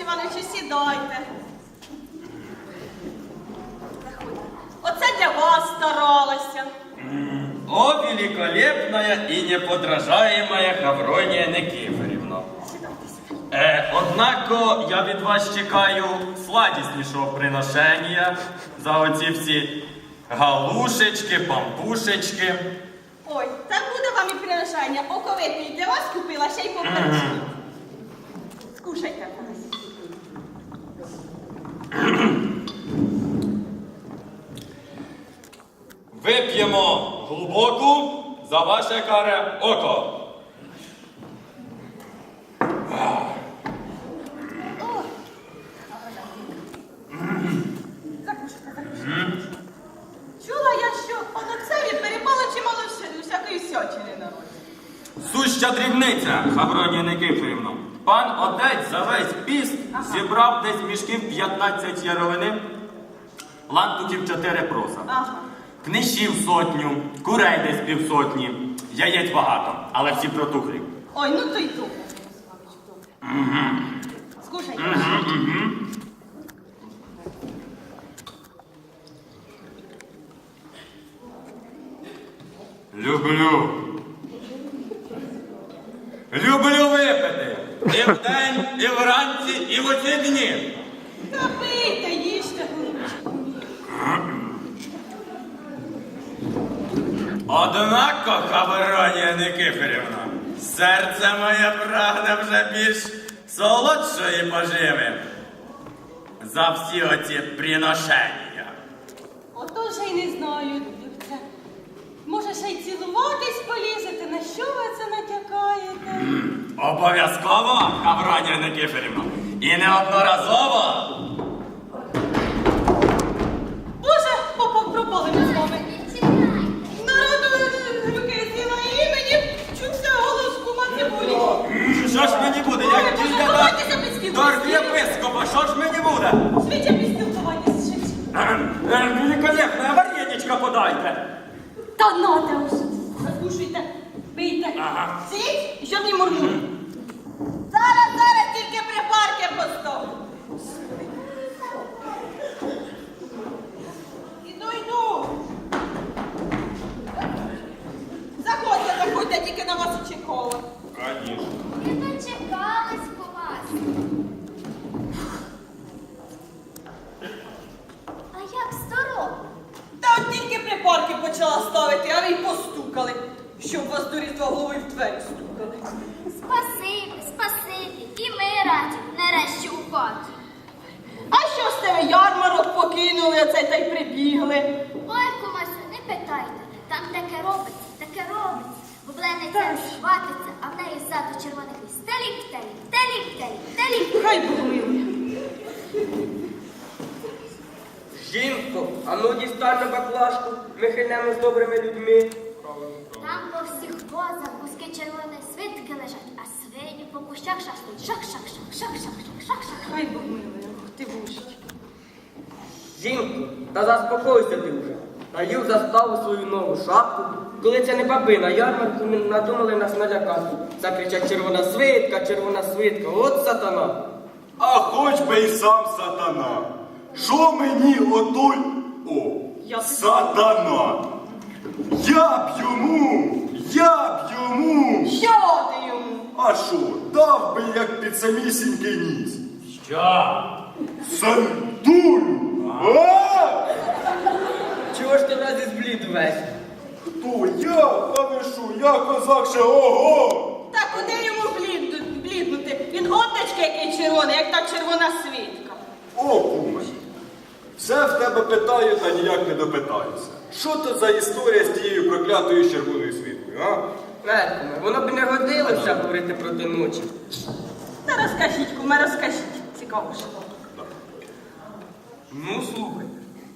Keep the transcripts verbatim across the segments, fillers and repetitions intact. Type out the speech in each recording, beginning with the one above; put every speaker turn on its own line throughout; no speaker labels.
Івановичу, сідайте. Оце для вас старалася.
О, великолепная и неподражаемая Хавронія Никифорівна. Е, однако я від вас чекаю сладіснішого приношення за оці всі галушечки, пампушечки.
Ой, так буде вам і приношення. Оковитний для вас купила, ще й поперечні. Скушайте.
Вип'ємо глибоку за ваше каре око.
Закушайте, закушайте. Чула я, що Олексеві перепало чимало вся- всякої всячини на роді.
Суща дрібниця, Хавронія Никифорівна. Пан отець за весь піст
Ага.
зібрав десь мішків п'ятнадцять яровини, лантуків чотири проса.
Ага.
Книжів сотню, курей десь півсотні, яєць багато, але всі протухлі.
Ой, ну то й то. Скушайте.
Люблю. Люблю випити. І вдень, і вранці, і в оці дні.
Та пийте, їжте, голубчику.
Однако, Хавронія Никифорівна, серце моє прагне вже більш солодшої поживи за всі оці приношення.
Ото ж й не знаю, Любця. Може, ще й цілуватись полізете? На що ви це натякаєте?
Обов'язково, Хавронія Никифорівна, і неодноразово.
Боже, попа, пропали ми з вами. Народу руки з'їла і мені чувся голос кума цибулі.
Що ж мені буде, як
Боже,
тільки
ховайтеся під стіл,
до
під стіл.
архієпископа, що ж мені буде?
Швидше під спілкування зшить.
Великолепне, вареничка подайте.
Та нате уж. Закушуйте, пийте.
Ага.
Сидіть і щоб не мурмур. Зараз, зараз тільки припарки поставлю. Іду, йду. Заходьте, заходьте, тільки на вас очікувала.
Конечно.
Ми дочекались по вас. А як здорово?
Та от тільки припарки почала ставити, а ви й постукали. Щоб вас до різдва голови в двері стукали.
Спасибі, спасибі. І ми раді нарешті у хаті.
А що ж це ви ярмарок покинули, оце та й прибігли?
Ой, кумасю, не питайте. Там таке робиться, таке робиться. Бублениця хватиться, а в неї ззаду червоних ліс. Телік, телік, телік, телік, телік.
Хай Бог милує.
Жінко, а ну дістань на баклажку, ми хильнемо з добрими людьми.
Там по всіх возах куски червоної свитки лежать, а свині по кущах шахтуть. Шах-шах-шах, шах-шах-шах, шах-шах.
Хай Бог милує, ох ти божить.
Жінко, та заспокойся ти вже. Наїв заставу свою нову шапку. Коли це не баби на ярмарку, ми надумали нас налякати. Закричать червона свитка, червона свитка, от сатана.
А хоч би й сам сатана. Що мені отой? О,
Я б-
сатана. Я б йому, я б йому.
Що ти йому?
А що, дав би як під самісінький ніс.
Що?
Сандулю. А?
Чого ж ти вразі зблід весь?
Хто я? А ви що, я козак ще ого.
Та куди йому блідну- бліднути? Він отечки який червоний, як та червона свитка.
О, куме. Все в тебе питаю, та ніяк не допитаюся. Що то за історія з тією проклятою червоною світлою, а?
Меркуме, воно б не годилося говорити проти ночі.
Та розкажіть, куме, розкажіть. Цікаво ж.
Ну, слухай.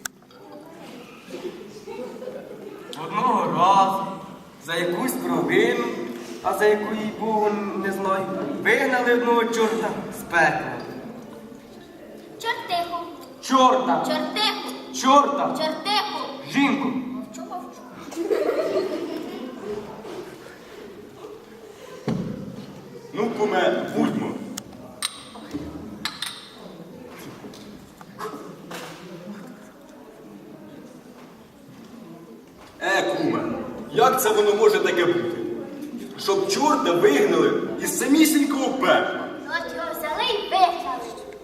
Одного разу за якусь провину,
А за яку їй Богу не знаю, вигнали одного чорта з пекла.
Чортиху,
Чорта!
чортиху,
Чорта!
чортиху.
Жінку!
Мовчу, мовчу.
Ну, куме, будьмо. Як це воно може таке бути? Щоб чорта вигнали із самісінького пекла.
От його взяли і вигнали.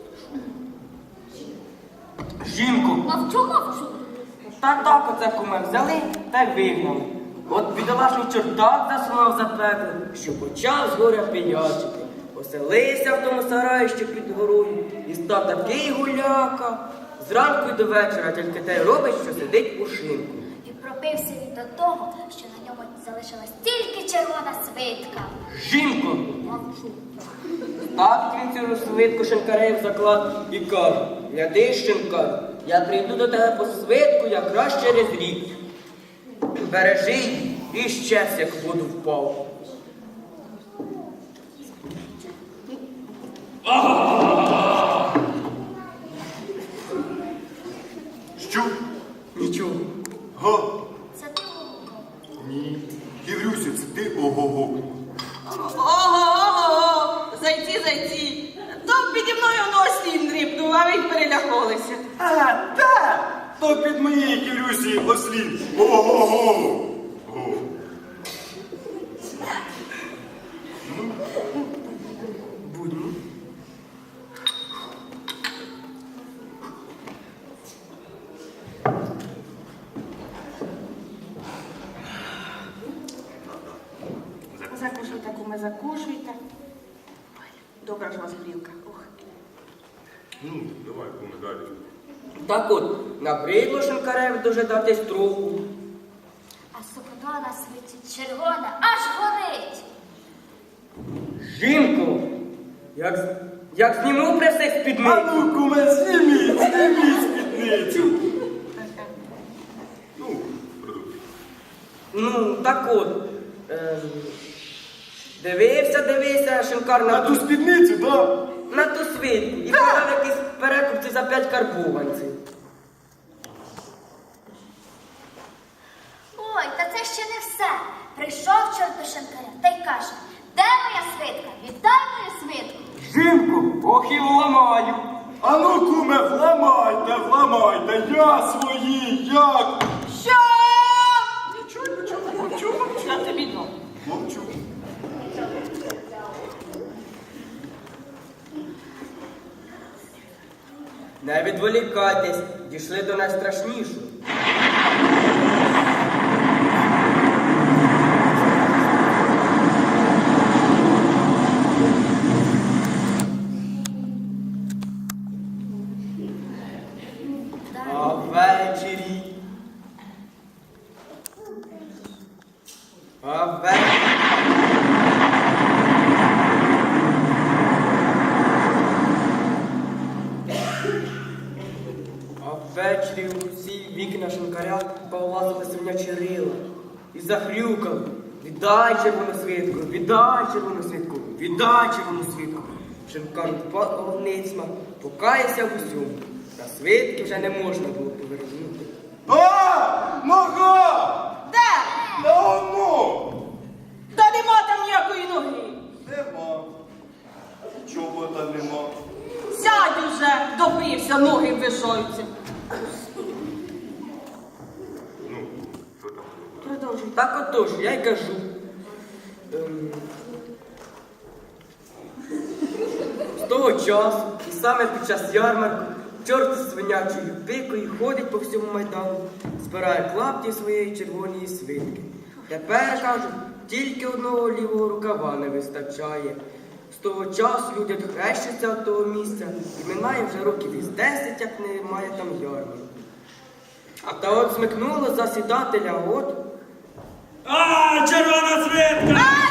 Жінку,
Мовчу, мовчу.
та так оце куме взяли та й вигнали. От бідолашний чорт так засунув за пекло, що почав з горя пиячити. Оселився в тому сараї, що під горою, і став такий гуляка. Зранку й до вечора тільки те й робить, що сидить у шинку.
І пропився він до того, що на ньому залишилась тільки червона свитка.
Жінку,
Мовчу.
став він цю свитку шинкарем в заклад і каже: гляди, шинкар, я прийду до тебе по свитку якраз через рік. Бережи її і щез, як в воду впав.
Що?
Нічого.
Га?
Це ти гукав.
Ні. Ківрюсю, це ти ого-го.
Ого-ого, зайці, зайці. То піді мною носі дрібнув, а ви й перелякалися.
А, так! То під моєї Ківрюсі ослін. Ого-го. О.
Будьмо.
Закушуйте, куме, закушуйте. Добра ж у вас грілка. Ох.
Ну, давай, куме, далі.
Так от, набридло шинкареві дожидатись троху.
А сукно на світі червона аж горить.
Жінку, як, з- як зніму пресик з
А
спідниці.
ну, куме, зніміть, зніміть спідницю. Ну, продовжуй.
Ну, так от. Е, дивився, дивився шинкар
На
на
ту
ту,
спідницю, так?
на ту свитку і продав якісь перекупці за п'ять карбованців.
Ой, та це ще не все. Прийшов чорт до шинкаря та й каже: де моя свитка? Віддай мою свитку.
Жінку, ох і вламаю.
А ну, куме, вламайте, вламайте, я свої, як?
Що? Нічого, нічого, мовчу, мовчу. Я тобі дам.
Мовчу.
Не відволікайтесь, дійшли до найстрашнішого. А ввечері. А ввечері. А ввечері у всі вікна шинкаря повлазили свинячі рила і захрюкали: віддай червону свитку, віддай червону свитку, віддай червону свитку. Шинкар впав ницьма, покаявся в усьому, та свитки вже не можна було повернути.
А, нога!
Де?
На оно!
Та нема там ніякої ноги.
Нема. Чого там нема?
Сядь уже, допився, ноги вишаються.
Ну, що там?
Продовжуй.
Так отож, я й кажу. Ем, з того часу, і саме під час ярмарку, чорт з свинячою пикою ходить по всьому майдану, збирає клапті своєї червоної свитки. Тепер, кажуть, тільки одного лівого рукава не вистачає. З того часу люди хрещаться від того місця, і минає вже років із десять, як немає там ярмарку. А та от смикнуло засідателя, от.
А, червона свитка!